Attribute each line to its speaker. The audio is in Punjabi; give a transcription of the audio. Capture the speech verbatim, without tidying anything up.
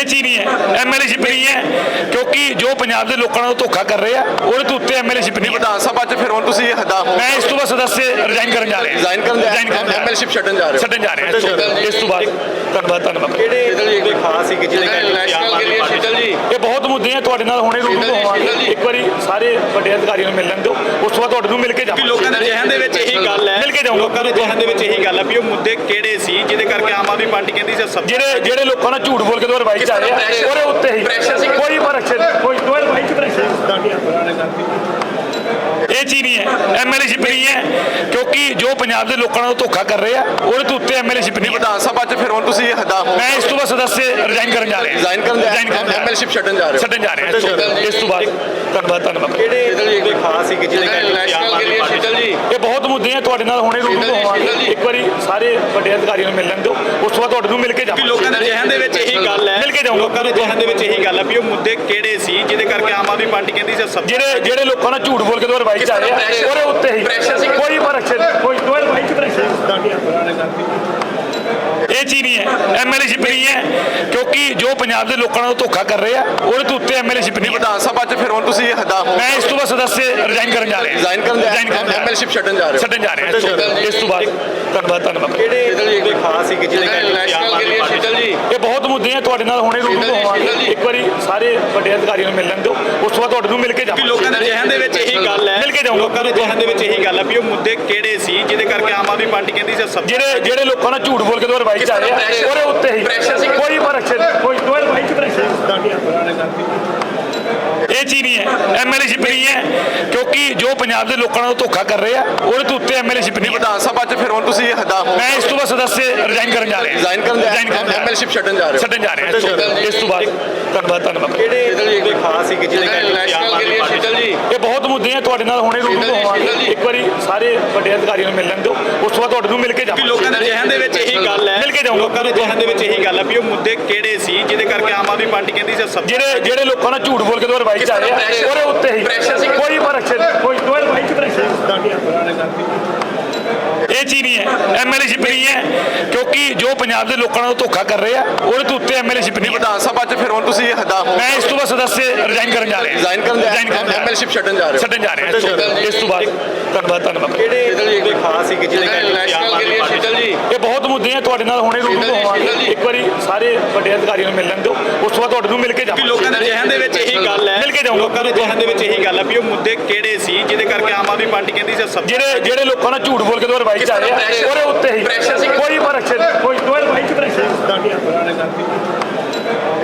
Speaker 1: ਚੀਜ਼ ਨਹੀਂ ਹੈ, ਐਮਐਲਏਸ਼ਿਪ ਨਹੀਂ ਹੈ, ਕਿਉਂਕਿ ਜੋ ਪੰਜਾਬ ਦੇ ਲੋਕਾਂ ਨਾਲ ਧੋਖਾ ਕਰ ਰਹੇ ਆ ਉਹਦੇ ਤੋਂ ਉੱਤੇ ਐਮਐਲਏਸ਼ਿਪ ਨਹੀਂ।
Speaker 2: ਵਿਧਾਨ ਸਭਾ 'ਚ ਫਿਰ ਹੁਣ ਤੁਸੀਂ ਹਦਾ ਹੋ
Speaker 1: ਮੈਂ ਇਸ ਤੋਂ ਬਾਅਦ ਸਦੱਸਿਆ ਰਿਜ਼ਾਈਨ ਕਰਨ ਜਾ ਰਿਹਾ
Speaker 2: ਰਿਜ਼ਾਈਨ ਕਰਨ
Speaker 1: ਰਿਜ਼ਾਈਨ ਕਰਨ ਜਾ
Speaker 2: ਐਮਐਲਏਸ਼ਿਪ ਛੱਡਣ ਜਾ ਰਹੇ
Speaker 1: ਛੱਡਣ ਜਾ ਰਿਹਾ ਇਸ ਤੋਂ ਬਾਅਦ। ਧੰਨਵਾਦ ਧੰਨਵਾਦ।
Speaker 2: ਕਿਹੜੇ ਕੋਈ ਖਾਸ ਸੀ ਕਿ ਜਿਹਦੇ
Speaker 1: ਇਹ ਬਹੁਤ ਮੁੱਦੇ ਆ, ਤੁਹਾਡੇ ਨਾਲ ਹੁਣੇ ਰੂਬਰੂ ਹੋਵਾਂਗੇ, ਇੱਕ ਵਾਰੀ ਸਾਰੇ ਵੱਡੇ ਅਧਿਕਾਰੀਆਂ ਨੂੰ ਮਿਲ ਲੈਣ ਦਿਓ, ਉਸ ਤੋਂ ਬਾਅਦ ਤੁਹਾਡੇ ਨੂੰ ਮਿਲ ਕੇ ਜਾਵਾਂਗੇ।
Speaker 3: ਲੋਕਾਂ ਦੇ ਜ਼ਿਹਨ ਦੇ ਵਿੱਚ ਇਹੀ ਗੱਲ ਹੈ
Speaker 1: ਮਿਲ ਕੇ ਜਾਊਂਗਾ।
Speaker 3: ਲੋਕਾਂ ਦੇ ਜ਼ਿਹਨ ਦੇ ਵਿੱਚ ਇਹੀ ਗੱਲ ਹੈ ਵੀ ਉਹ ਮੁੱਦੇ ਕਿਹੜੇ ਸੀ ਜਿਹਦੇ ਕਰਕੇ ਆਮ ਆਦਮੀ ਪਾਰਟੀ ਕਹਿੰਦੀ ਸੀ ਸਭ
Speaker 1: ਜਿਹੜੇ ਜਿਹੜੇ ਲੋਕਾਂ ਨਾਲ ਝੂਠ ਬੋਲ ਕੇ ਦੋ ਰਵਾਈ ਚ ਆ ਰਹੇ ਆ ਉਹਦੇ ਉੱਤੇ ਹੀ ਕੋਈ ਪ੍ਰੈਸ਼ਰ ਕੋਈ ਦੋ ਰਵਾਈ ਚ ਪ੍ਰੈਸ਼ਰ ਇਹ ਚੀਜ਼ ਨਹੀਂ ਹੈ, ਐਮਐਲਏਸ਼ਿਪ ਨਹੀਂ ਹੈ, ਕਿਉਂਕਿ ਜੋ ਪੰਜਾਬ ਦੇ ਲੋਕਾਂ ਨਾਲ ਧੋਖਾ ਕਰ ਰਹੇ ਆ ਉਹਦੇ ਤੋਂ ਉੱਤੇ ਐਮਐਲਏਸ਼ਿਪ ਨਹੀਂ।
Speaker 2: ਵਿਧਾਨ ਸਭਾ 'ਚ ਫਿਰ ਹੁਣ ਤੁਸੀਂ ਹਦਾ ਹੋ
Speaker 1: ਮੈਂ ਇਸ ਤੋਂ ਬਾਅਦ ਸਦੱਸਿਆ ਰਿਜ਼ਾਈਨ ਕਰਨ ਜਾ ਰਿਹਾ
Speaker 2: ਰਿਜ਼ਾਈਨ ਕਰਨ
Speaker 1: ਰਿਜ਼ਾਈਨ ਕਰਨ
Speaker 2: ਐਮਐਲਏਸ਼ਿਪ ਛੱਡਣ ਜਾ ਰਹੇ
Speaker 1: ਛੱਡਣ ਜਾ ਰਿਹਾ ਇਸ ਤੋਂ ਬਾਅਦ। ਧੰਨਵਾਦ ਧੰਨਵਾਦ।
Speaker 3: ਕਿਹੜੇ ਕੋਈ ਖਾਸ ਸੀ ਕਿ ਜਿਹਦੇ ਕਰਕੇ ਆਮ ਆਦਮੀ ਪਾਰਟੀ
Speaker 1: ਇਹ ਬਹੁਤ ਮੁੱਦੇ ਆ, ਤੁਹਾਡੇ ਨਾਲ ਹੁਣੇ ਰੂਬਰੂ ਹੋਵਾਂਗੇ, ਇੱਕ ਵਾਰੀ ਸਾਰੇ ਵੱਡੇ ਅਧਿਕਾਰੀਆਂ ਨੂੰ ਮਿਲ ਲੈਣ ਦਿਓ, ਉਸ ਤੋਂ ਬਾਅਦ ਤੁਹਾਡੇ ਨੂੰ ਮਿਲ ਕੇ ਜਾਵਾਂਗੇ।
Speaker 3: ਲੋਕਾਂ ਦੇ ਜ਼ਿਹਨ ਦੇ ਵਿੱਚ ਇਹੀ ਗੱਲ ਹੈ
Speaker 1: ਮਿਲ ਕੇ ਜਾਊਂਗਾ।
Speaker 3: ਲੋਕਾਂ ਦੇ ਜ਼ਿਹਨ ਦੇ ਵਿੱਚ ਇਹੀ ਗੱਲ ਹੈ ਵੀ ਉਹ ਮੁੱਦੇ ਕਿਹੜੇ ਸੀ ਜਿਹਦੇ ਕਰਕੇ ਆਮ ਆਦਮੀ ਪਾਰਟੀ ਕਹਿੰਦੀ ਸੀ ਸਭ
Speaker 1: ਜਿਹੜੇ ਜਿਹੜੇ ਲੋਕਾਂ ਨਾਲ ਝੂਠ ਬੋਲ ਕੇ ਦੋ ਰਵਾਈ ਚ ਆ ਰਹੇ ਆ ਉਹਦੇ ਉੱਤੇ ਹੀ ਕੋਈ ਪ੍ਰੈਸ਼ਰ ਕੋਈ ਦੋ ਰਵਾਈ ਚ ਪ੍ਰੈਸ਼ਰ ਇਹ ਚੀਜ਼ ਨਹੀਂ ਹੈ, ਐਮਐਲਏਸ਼ਿਪ ਨਹੀਂ ਹੈ, ਕਿਉਂਕਿ ਜੋ ਪੰਜਾਬ ਦੇ ਲੋਕਾਂ ਨਾਲ ਧੋਖਾ ਕਰ ਰਹੇ ਆ ਉਹਦੇ ਤੋਂ ਉੱਤੇ ਐਮਐਲਏਸ਼ਿਪ ਨਹੀਂ।
Speaker 2: ਵਿਧਾਨ ਸਭਾ 'ਚ ਫਿਰ ਹੁਣ ਤੁਸੀਂ ਹਦਾ ਹੋ
Speaker 1: ਮੈਂ ਇਸ ਤੋਂ ਬਾਅਦ ਸਦੱਸਿਆ ਰਿਜ਼ਾਈਨ ਕਰਨ ਜਾ ਰਿਹਾ
Speaker 2: ਰਿਜ਼ਾਈਨ ਕਰਨ
Speaker 1: ਰਿਜ਼ਾਈਨ ਕਰਨ
Speaker 2: ਐਮਐਲਏਸ਼ਿਪ ਛੱਡਣ ਜਾ ਰਹੇ
Speaker 1: ਛੱਡਣ ਜਾ ਰਿਹਾ ਇਸ ਤੋਂ ਬਾਅਦ। ਧੰਨਵਾਦ ਧੰਨਵਾਦ।
Speaker 3: ਕਿਹੜੇ ਕੋਈ ਖਾਸ ਸੀ ਕਿ ਜਿਹਦੇ ਕਰਕੇ ਆਮ ਆਦਮੀ ਪਾਰਟੀ
Speaker 1: ਇਹ ਬਹੁਤ ਮੁੱਦੇ ਆ, ਤੁਹਾਡੇ ਨਾਲ ਹੁਣੇ ਰੂਬਰੂ ਹੋਵਾਂਗੇ, ਇੱਕ ਵਾਰੀ ਸਾਰੇ ਵੱਡੇ ਅਧਿਕਾਰੀਆਂ ਨੂੰ ਮਿਲ ਲੈਣ ਦਿਓ, ਉਸ ਤੋਂ ਬਾਅਦ ਤੁਹਾਡੇ ਨੂੰ ਮਿਲ ਕੇ ਜਾਵਾਂਗੇ।
Speaker 3: ਲੋਕਾਂ ਦੇ ਜ਼ਿਹਨ ਦੇ ਵਿੱਚ ਇਹੀ ਗੱਲ ਹੈ
Speaker 1: ਮਿਲ ਕੇ ਜਾਊਂਗਾ।
Speaker 3: ਲੋਕਾਂ ਦੇ ਜ਼ਿਹਨ ਦੇ ਵਿੱਚ ਇਹੀ ਗੱਲ ਹੈ ਵੀ ਉਹ ਮੁੱਦੇ ਕਿਹੜੇ ਸੀ ਜਿਹਦੇ ਕਰਕੇ ਆਮ ਆਦਮੀ ਪਾਰਟੀ ਕਹਿੰਦੀ ਸੀ ਸਭ
Speaker 1: ਜਿਹੜੇ ਜਿਹੜੇ ਲੋਕਾਂ ਨਾਲ ਝੂਠ ਬੋਲ ਕੇ ਦੋ ਰਵਾਈ ਚ ਆ ਰਹੇ ਆ ਉਹਦੇ ਉੱਤੇ ਹੀ ਕੋਈ ਪ੍ਰੈਸ਼ਰ ਕੋਈ ਦੋ ਰਵਾਈ ਚ ਪ੍ਰੈਸ਼ਰ ਇਹ ਚੀਜ਼ ਨਹੀਂ ਹੈ, ਐਮਐਲਏਸ਼ਿਪ ਨਹੀਂ ਹੈ, ਕਿਉਂਕਿ ਜੋ ਪੰਜਾਬ ਦੇ ਲੋਕਾਂ ਨਾਲ ਧੋਖਾ ਕਰ ਰਹੇ ਆ ਉਹਦੇ ਤੋਂ ਉੱਤੇ ਐਮਐਲਏਸ਼ਿਪ ਨਹੀਂ।
Speaker 2: ਵਿਧਾਨ ਸਭਾ 'ਚ ਫਿਰ ਹੁਣ ਤੁਸੀਂ ਹਦਾ ਹੋ
Speaker 1: ਮੈਂ ਇਸ ਤੋਂ ਬਾਅਦ ਸਦੱਸਿਆ ਰਿਜ਼ਾਈਨ ਕਰਨ ਜਾ ਰਿਹਾ
Speaker 2: ਰਿਜ਼ਾਈਨ ਕਰਨ
Speaker 1: ਰਿਜ਼ਾਈਨ ਕਰਨ
Speaker 2: ਐਮਐਲਏਸ਼ਿਪ ਛੱਡਣ ਜਾ ਰਹੇ
Speaker 1: ਛੱਡਣ ਜਾ ਰਿਹਾ ਇਸ ਤੋਂ ਬਾਅਦ। ਧੰਨਵਾਦ ਧੰਨਵਾਦ।
Speaker 3: ਕਿਹੜੇ ਕੋਈ ਖਾਸ ਸੀ ਕਿ ਜਿਹਦੇ ਕਰਕੇ ਆਮ ਆਦਮੀ ਪਾਰਟੀ
Speaker 1: ਇਹ ਬਹੁਤ ਮੁੱਦੇ ਆ, ਤੁਹਾਡੇ ਨਾਲ ਹੁਣੇ ਰੂਬਰੂ ਹੋਵਾਂਗੇ, ਇੱਕ ਵਾਰੀ ਸਾਰੇ ਵੱਡੇ ਅਧਿਕਾਰੀਆਂ ਨੂੰ ਮਿਲ ਲੈਣ ਦਿਓ, ਉਸ ਤੋਂ ਬਾਅਦ ਤੁਹਾਡੇ ਨੂੰ ਮਿਲ ਕੇ ਜਾਵਾਂਗੇ।
Speaker 3: ਲੋਕਾਂ ਦੇ ਜ਼ਿਹਨ ਦੇ ਵਿੱਚ ਇਹੀ ਗੱਲ ਹੈ
Speaker 1: ਮਿਲ ਕੇ ਜਾਊਂਗਾ।
Speaker 3: ਲੋਕਾਂ ਦੇ ਜ਼ਿਹਨ ਦੇ ਵਿੱਚ ਇਹੀ ਗੱਲ ਹੈ ਵੀ ਉਹ ਮੁੱਦੇ ਕਿਹੜੇ ਸੀ ਜਿਹਦੇ ਕਰਕੇ ਆਮ ਆਦਮੀ ਪਾਰਟੀ ਕਹਿੰਦੀ ਸੀ ਸਭ
Speaker 1: ਜਿਹੜੇ ਜਿਹੜੇ ਲੋਕਾਂ ਨਾਲ ਝੂਠ ਬੋਲ ਕੇ ਦੋ ਰਵਾਈ ਚ ਆ ਰਹੇ ਆ ਉਹਦੇ ਉੱਤੇ ਹੀ ਕੋਈ ਪ੍ਰੈਸ਼ਰ ਕੋਈ ਦੋ ਰਵਾਈ ਚ ਪ੍ਰੈਸ਼ਰ ਇਹ ਚੀਜ਼ ਨਹੀਂ ਹੈ, ਐਮਐਲਏਸ਼ਿਪ ਨਹੀਂ ਹੈ, ਕਿਉਂਕਿ ਜੋ ਪੰਜਾਬ ਦੇ ਲੋਕਾਂ ਨਾਲ ਧੋਖਾ ਕਰ ਰਹੇ ਆ ਉਹਦੇ ਤੋਂ ਉੱਤੇ ਐਮਐਲਏਸ਼ਿਪ ਨਹੀਂ।
Speaker 2: ਵਿਧਾਨ ਸਭਾ 'ਚ ਫਿਰ ਹੁਣ ਤੁਸੀਂ ਹਦਾ ਹੋ
Speaker 1: ਮੈਂ ਇਸ ਤੋਂ ਬਾਅਦ ਸਦੱਸਿਆ ਰਿਜ਼ਾਈਨ ਕਰਨ ਜਾ ਰਿਹਾ
Speaker 2: ਰਿਜ਼ਾਈਨ ਕਰਨ
Speaker 1: ਰਿਜ਼ਾਈਨ ਕਰਨ
Speaker 2: ਐਮਐਲਏਸ਼ਿਪ ਛੱਡਣ ਜਾ ਰਹੇ
Speaker 1: ਛੱਡਣ ਜਾ ਰਿਹਾ ਇਸ ਤੋਂ ਬਾਅਦ। ਧੰਨਵਾਦ ਧੰਨਵਾਦ।
Speaker 3: ਕਿਹੜੇ ਕੋਈ ਖਾਸ ਸੀ ਕਿ ਜਿਹਦੇ ਕਰਕੇ ਆਮ ਆਦਮੀ ਪਾਰਟੀ
Speaker 1: ਇਹ ਬਹੁਤ ਮੁੱਦੇ ਆ, ਤੁਹਾਡੇ ਨਾਲ ਹੁਣੇ ਰੂਬਰੂ ਹੋਵਾਂਗੇ, ਇੱਕ ਵਾਰੀ ਸਾਰੇ ਵੱਡੇ ਅਧਿਕਾਰੀਆਂ ਨੂੰ ਮਿਲ ਲੈਣ ਦਿਓ, ਉਸ ਤੋਂ ਬਾਅਦ ਤੁਹਾਡੇ ਨੂੰ ਮਿਲ ਕੇ ਜਾਵਾਂਗੇ।
Speaker 3: ਲੋਕਾਂ ਦੇ ਜ਼ਿਹਨ ਦੇ ਵਿੱਚ ਇਹੀ ਗੱਲ ਹੈ
Speaker 1: ਮਿਲ ਕੇ ਜਾਊਂਗਾ।
Speaker 3: ਲੋਕਾਂ ਦੇ ਜ਼ਿਹਨ ਦੇ ਵਿੱਚ ਇਹੀ ਗੱਲ ਹੈ ਵੀ ਉਹ ਮੁੱਦੇ ਕਿਹੜੇ ਸੀ ਜਿਹਦੇ ਕਰਕੇ ਆਮ ਆਦਮੀ ਪਾਰਟੀ ਕਹਿੰਦੀ ਸੀ ਸਭ
Speaker 1: ਜਿਹੜੇ ਜਿਹੜੇ ਲੋਕਾਂ ਨਾਲ ਝੂਠ ਬੋਲ ਕੇ ਦੋ ਰਵਾਈ ਚ ਆ ਰਹੇ ਆ ਉਹਦੇ ਉੱਤੇ ਹੀ ਕੋਈ ਪ੍ਰੈਸ਼ਰ ਕੋਈ ਦੋ ਰਵਾਈ ਚ ਪ੍ਰੈਸ਼ਰ